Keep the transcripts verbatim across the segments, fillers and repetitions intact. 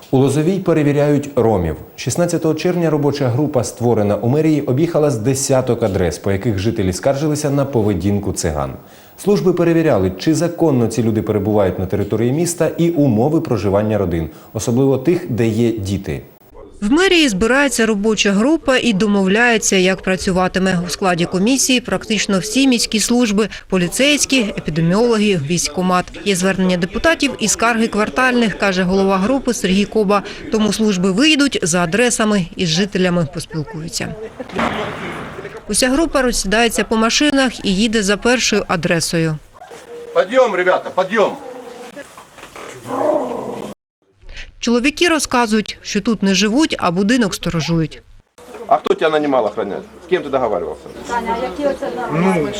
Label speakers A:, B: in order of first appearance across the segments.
A: У Лозовій перевіряють ромів. шістнадцятого червня робоча група, створена у мерії, об'їхала з десяток адрес, по яких жителі скаржилися на поведінку циган. Служби перевіряли, чи законно ці люди перебувають на території міста і умови проживання родин, особливо тих, де є діти.
B: В мерії збирається робоча група і домовляється, як працюватиме. У складі комісії практично всі міські служби – поліцейські, епідеміологи, військкомат. Є звернення депутатів і скарги квартальних, каже голова групи Сергій Коба. Тому служби виїдуть за адресами і з жителями поспілкуються. Уся група розсідається по машинах і їде за першою адресою.
C: Підйом, ребята, підйом!
B: Чоловіки розказують, що тут не живуть, а будинок сторожують.
C: А хто тебе нанимал охранять? З ким ти договаривался? Ну,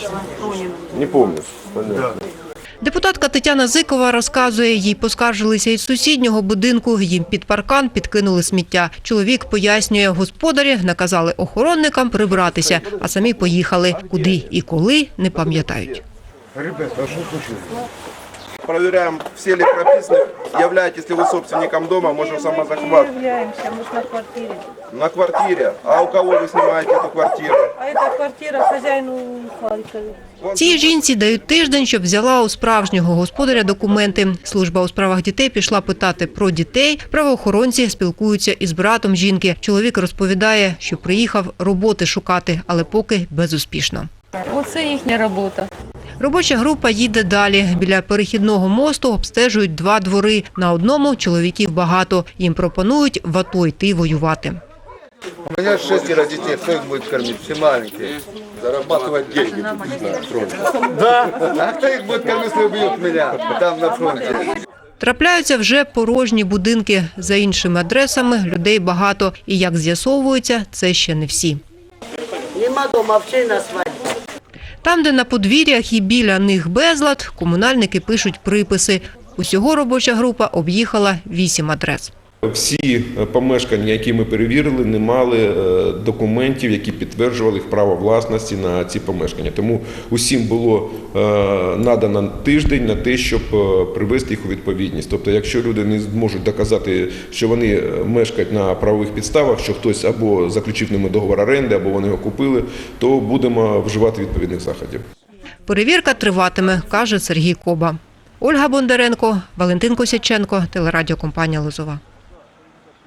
C: не помню.
B: Депутатка Тетяна Зикова розказує, їй поскаржилися із сусіднього будинку, їм під паркан підкинули сміття. Чоловік пояснює, господарі наказали охоронникам прибратися, а самі поїхали. Куди і коли – не пам'ятають.
D: Ребята, а что случилось?
C: Проверяем, все ли прописаны. Являетесь ли вы собственником дома, можем самозахват.
E: Мы являемся, мы же на квартире.
C: На квартире. А у кого вы снимаете эту квартиру?
E: А эта квартира хозяину Харькове.
B: Цій жінці дають тиждень, щоб взяла у справжнього господаря документи. Служба у справах дітей пішла питати про дітей. Правоохоронці спілкуються із братом жінки. Чоловік розповідає, що приїхав роботи шукати, але поки безуспішно.
E: Оце їхня робота.
B: Робоча група їде далі. Біля перехідного мосту обстежують два двори. На одному чоловіків багато. Їм пропонують в АТО йти воювати.
D: У меня шестеро детей, кто их будет кормить? Все маленькие. Зарабатывать деньги на фронте. Да? А кто их будет кормить, если убьют меня там на фронте?
B: Трапляються вже порожні будинки. За іншими адресами людей багато. І, як з'ясовується, це ще не всі.
F: Нема дома, вчи на свадьбу.
B: Там, де на подвір'ях і біля них безлад, комунальники пишуть приписи. Усього робоча група об'їхала вісім адрес.
G: Всі помешкання, які ми перевірили, не мали документів, які підтверджували їх право власності на ці помешкання. Тому усім було надано тиждень на те, щоб привести їх у відповідність. Тобто, якщо люди не зможуть доказати, що вони мешкають на правових підставах, що хтось або заключив ними договор оренди, або вони його купили, то будемо вживати відповідних заходів.
B: Перевірка триватиме, каже Сергій Коба. Ольга Бондаренко, Валентин Косяченко, телерадіокомпанія «Лозова».